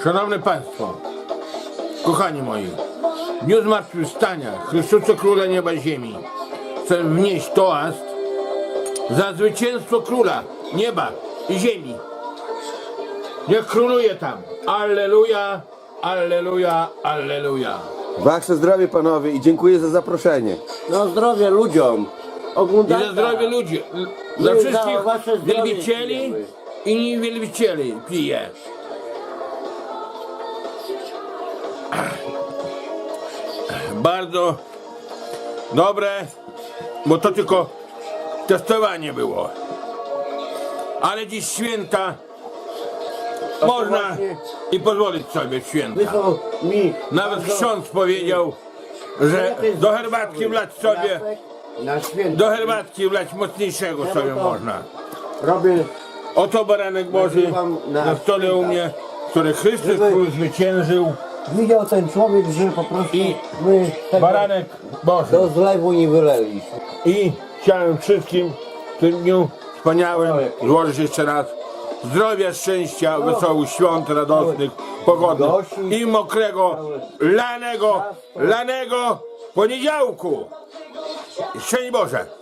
Szanowni Państwo, kochani moi, w dniu zmartwychwstania Chrystusa Króla Nieba i Ziemi chcę wnieść toast za zwycięstwo Króla Nieba i Ziemi. Niech króluje tam. Alleluja, alleluja, alleluja. Wasze zdrowie, panowie, i dziękuję za zaproszenie. No zdrowie ludziom. I Oglądajcie. za zdrowie ludzi, za My za wszystkich wasze zdrowie wielbicieli pijemy. i niewielbicieli piję. Bardzo dobre, bo to tylko testowanie było. Ale dziś święta można właśnie- i pozwolić sobie w święta. Wysłał mi Nawet bardzo- ksiądz powiedział, że do herbatki wlać sobie, na święto. do herbatki wlać mocniejszego sobie to- można. Robię Oto baranek Boży Nagrywam na stole u mnie, który Chrystus Żeby- Król zwyciężył, widział ten człowiek, że po prostu I my tego baranek Boży. do zlewu nie wyleliśmy. I chciałem wszystkim w tym dniu wspaniałym złożyć jeszcze raz zdrowia, szczęścia, wesołych świąt, radosnych, pogodnych i mokrego, lanego poniedziałku. Szczęść Boże!